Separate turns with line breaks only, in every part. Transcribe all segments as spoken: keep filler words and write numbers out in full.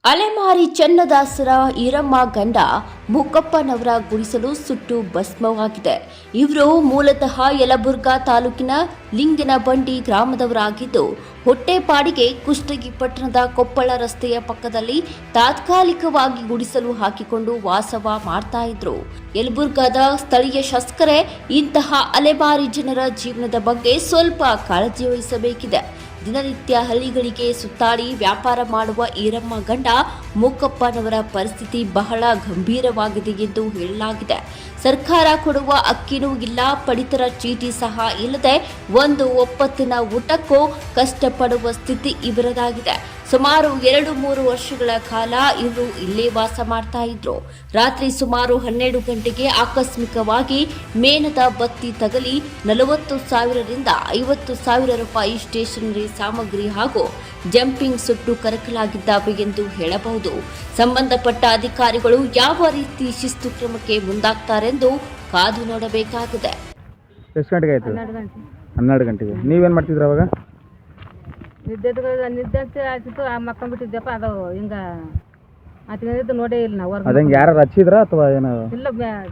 ಅಲೆಮಾರಿ ಚನ್ನದಾಸರ ಈರಮ್ಮ ಗಂಡ ಮೂಕಪ್ಪನವರ ಗುಡಿಸಲು ಸುಟ್ಟು ಭಸ್ಮವಾಗಿದೆ. ಇವರು ಮೂಲತಃ ಯಲಬುರ್ಗಾ ತಾಲೂಕಿನ ಲಿಂಗನಬಂಡಿ ಗ್ರಾಮದವರಾಗಿದ್ದು, ಹೊಟ್ಟೆಪಾಡಿಗೆ ಕುಷ್ಟಗಿ ಪಟ್ಟಣದ ಕೊಪ್ಪಳ ರಸ್ತೆಯ ಪಕ್ಕದಲ್ಲಿ ತಾತ್ಕಾಲಿಕವಾಗಿ ಗುಡಿಸಲು ಹಾಕಿಕೊಂಡು ವಾಸವ ಮಾಡ್ತಾ ಇದ್ರು. ಯಲಬುರ್ಗಾದ ಸ್ಥಳೀಯ ಶಾಸಕರೇ ಇಂತಹ ಅಲೆಮಾರಿ ಜನರ ಜೀವನದ ಬಗ್ಗೆ ಸ್ವಲ್ಪ ಕಾಳಜಿ ವಹಿಸಬೇಕಿದೆ. ದಿನನಿತ್ಯ ಹಳ್ಳಿಗಳಿಗೆ ಸುತ್ತಾಡಿ ವ್ಯಾಪಾರ ಮಾಡುವ ಈರಮ್ಮ ಗಂಡ ಮೂಕಪ್ಪನವರ ಪರಿಸ್ಥಿತಿ ಬಹಳ ಗಂಭೀರವಾಗಿದೆ ಎಂದು ಹೇಳಲಾಗಿದೆ. ಸರ್ಕಾರ ಕೊಡುವ ಅಕ್ಕಿನೂ ಇಲ್ಲ, ಪಡಿತರ ಚೀಟಿ ಸಹ ಇಲ್ಲದೆ ಒಂದು ಒಪ್ಪತ್ತಿನ ಊಟಕ್ಕೂ ಕಷ್ಟಪಡುವ ಸ್ಥಿತಿ ಇವರದಾಗಿದೆ. ಸುಮಾರು ಎರಡು ಮೂರು ವರ್ಷಗಳ ಕಾಲ ಇವರು ಇಲ್ಲೇ ವಾಸ ಮಾಡ್ತಾ ಇದ್ರು. ರಾತ್ರಿ ಸುಮಾರು ಹನ್ನೆರಡು ಗಂಟೆಗೆ ಆಕಸ್ಮಿಕವಾಗಿ ಮೇಣದ ಬತ್ತಿ ತಗಲಿ ನಲವತ್ತು ಸಾವಿರದಿಂದ ಐವತ್ತು ಸಾವಿರ ರೂಪಾಯಿ ಸ್ಟೇಷನರಿ ಸಾಮಗ್ರಿ ಹಾಗೂ ಜಂಪಿಂಗ್ ಸುಟ್ಟು ಕರಕಲಾಗಿದ್ದಾವೆ ಎಂದು ಹೇಳಬಹುದು. ಸಂಬಂಧಪಟ್ಟ ಅಧಿಕಾರಿಗಳು ಯಾವ ರೀತಿ ಶಿಸ್ತು ಕ್ರಮಕ್ಕೆ ಮುಂದಾಗ್ತಾರೆಂದು ಕಾದು ನೋಡಬೇಕಾಗಿದೆ.
ಎಷ್ಟು ಗಂಟೆಗೆ ಆಯ್ತು? ಹನ್ನೆರಡು ಗಂಟೆಗೆ. ನೀವೇನು ಮಾಡ್ತಿದ್ರಿ ಅವಾಗ?
ನಿದ್ದೆ ನಿದ್ದೆ ಅಂತ ಆಯ್ತಿತ್ತು, ಆ ಮಕ್ಕೊಂಡ್ಬಿಟ್ಟಿದ್ದೆಪ್ಪ. ಅದು ಹಿಂಗೆ ಅದು ನೋಡೇ ಇಲ್ಲ ನಾವು.
ಅದಂಗೆ ಯಾರು ಹಚ್ಚಿದ್ರ ಅಥವಾ ಏನು?
ಇಲ್ಲ,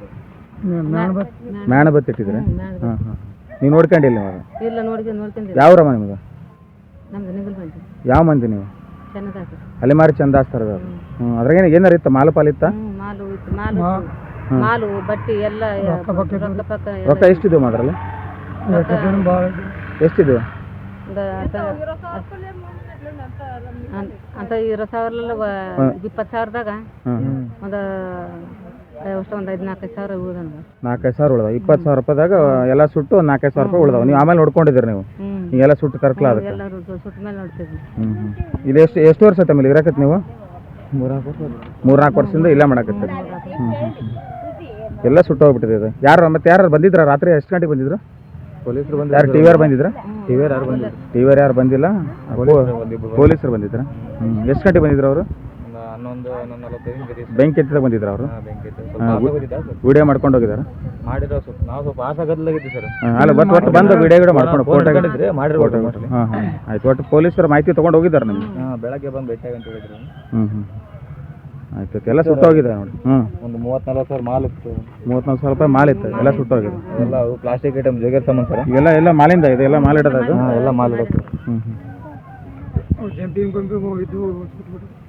ಮ್ಯಾಣ ಬತ್ತಿಟ್ಟಿದ್ರೆ. ಹಾಂ ಹಾಂ ನೀವು ನೋಡ್ಕೊಂಡಿಲ್ಲ ನೀವು?
ಇಲ್ಲ, ನೋಡಿ ನೋಡ್ಕೊಂಡಿಲ್ಲ.
ಯಾವ್ರಮ್ಮ ನಿಮ್ಗೆ?
ನಮ್ದು ನಿಗಲ್ ಬಂತು.
ಯಾವ ಮಂದಿ ನೀವು?
ಚನ್ನದಾಸ.
ಅಲೆಮಾರಿ ಚಂದಾಸ್ತಾರ. ಹ್ಞೂ ಅದ್ರಾಗೇನು ಏನಾರು ಇತ್ತ? ಮಾಲು ಪಾಲಿತ್ತ?
ಮಾಲು ಇತ್ತು. ಮಾಲು ಮಾಲು ಬಟ್ಟೆ ಎಲ್ಲ ರೊಕ್ಕ ಪಕ್ಕ
ರೊಕ್ಕ ಎಷ್ಟಿದ್ವು ಅದ್ರಲ್ಲಿ? ಎಷ್ಟಿದ್ವು?
ಅಂತ ಇರೋ ಸಾವಿರಲ್ಲ ಇಪ್ಪತ್ತು ಸಾವಿರದಾಗ ಒಂದು ಅಷ್ಟು ಒಂದು ಐದು ನಾಲ್ಕೈದು ಸಾವಿರ ಉಳ್ದ.
ನಾಲ್ಕೈದು ಸಾವಿರ ಉಳ್ದಾವ. ಇಪ್ಪತ್ತು ಸಾವಿರ ರೂಪಾಯಿದಾಗ ಎಲ್ಲ ಸುಟ್ಟು ಒಂದು ನಾಲ್ಕೈದು ಸಾವಿರ ರೂಪಾಯಿ ಉಳ್ದಾವ. ನೀವು ಆಮೇಲೆ ನೋಡ್ಕೊಂಡಿದ್ದೀರಿ ನೀವು? ಈಗೆಲ್ಲ ಸುಟ್ಟು ಕರ್ಕಲ ಅದಕ್ಕೆ
ಎಲ್ಲರೂ ಸುಟ್ಟ ಮೇಲೆ ನೋಡ್ತಿದ್ವಿ.
ಹ್ಞೂ ಹ್ಞೂ ಇದು ಎಷ್ಟು ಎಷ್ಟು ವರ್ಷ ಆಯ್ತು ಆಮೇಲೆ ಇರಾಕತ್ತೆ ನೀವು? ಮೂರ್ನಾಲ್ಕು ವರ್ಷ ಮೂರ್ನಾಲ್ಕು ವರ್ಷದಿಂದ ಇಲ್ಲ ಮಾಡಕತ್ತೀರಿ. ಹ್ಞೂ ಹ್ಞೂ ಎಲ್ಲ ಸುಟ್ಟು ಹೋಗ್ಬಿಟ್ಟಿದೆ ಇದು. ಯಾರು ಮತ್ತೆ ಯಾರು ಬಂದಿದ್ರ ರಾತ್ರಿ? ಎಷ್ಟು ಗಂಟೆಗೆ ಬಂದಿದ್ರು? ಪೊಲೀಸರು ಬಂದು. ಯಾರು ಟಿ ವಿ ಆರ್ ಬಂದಿದ್ರ? ಟಿ ವಿ ಆರ್ ಯಾರು ಬಂದಿಲ್ಲ. ಟಿ ವಿ ಆರ್ ಯಾರು ಬಂದಿಲ್ಲ, ಪೊಲೀಸರು ಬಂದಿದ್ರ. ಹ್ಞೂ ಎಷ್ಟು ಗಂಟೆಗೆ ಬಂದಿದ್ರು ಅವರು?
ಹನ್ನೊಂದು ಹನ್ನೊಂದು ನಲವತ್ತೈದು
ಬೆಂಕಿ ಎತ್ತಿದಾಗ ಬಂದಿದ್ರ ಅವರು? ವಿಡಿಯೋ ಮಾಡ್ಕೊಂಡು ಹೋಗಿದಾರ?
ಮಾಡಿರೋ ಸ್ವಲ್ಪ ನಾವು ಸ್ವಲ್ಪ ಆಸಗದ್ಲಾಗಿದ್ವಿ ಸರ್.
ಅಲ್ಲ ಬಟ್ ಒಟ್ಟು ಬಂದು ವಿಡಿಯೋ ಗಿಡ ಮಾಡ್ಕೊಂಡು ಫೋಟೋ
ಮಾಡಿರೋ.
ಹಾಂ ಹಾಂ ಆಯ್ತು. ಒಟ್ಟು ಪೊಲೀಸರ ಮಾಹಿತಿ ತೊಗೊಂಡು ಹೋಗಿದ್ದಾರೆ ನಿಮ್ಗೆ?
ಹಾಂ, ಬೆಳಗ್ಗೆ ಬಂದು ಭೇಟಿಯಾಗಿ ಅಂತ ಹೇಳಿದ್ರು.
ಹ್ಞೂ ಹ್ಞೂ ಆಯ್ತು. ಎಲ್ಲ ಸುಟ್ಟೋಗಿದೆ ನೋಡಿ. ಹ್ಞೂ
ಒಂದು ಮೂವತ್ತು ನಲ್ವತ್ತು ಸಾವಿರ ಮಾಲ್ ಇತ್ತು.
ಮೂವತ್ತ್ನಾಲ್ಕು ಸಾವಿರ ರೂಪಾಯಿ ಮಾಲ್ ಇತ್ತು. ಎಲ್ಲ ಸುಟ್ಟೋಗಿದೆ.
ಎಲ್ಲ ಅವು ಪ್ಲಾಸ್ಟಿಕ್ ಐಟಮ್ ಜೋಗಿರ್ ಸಾಮಾನು ಸರ್.
ಎಲ್ಲ ಎಲ್ಲ ಮಾಲಿಂದ ಇದೆ? ಎಲ್ಲ ಮಾಲ್ ಇಡೋದು?
ಹಾಂ, ಎಲ್ಲ ಮಾಲ್ ಇಡೋದು.
ಹ್ಞೂ ಹ್ಞೂ
ಜಂಪಿಂಗ್ ಬಂದು ಹೋಗಿದ್ದು.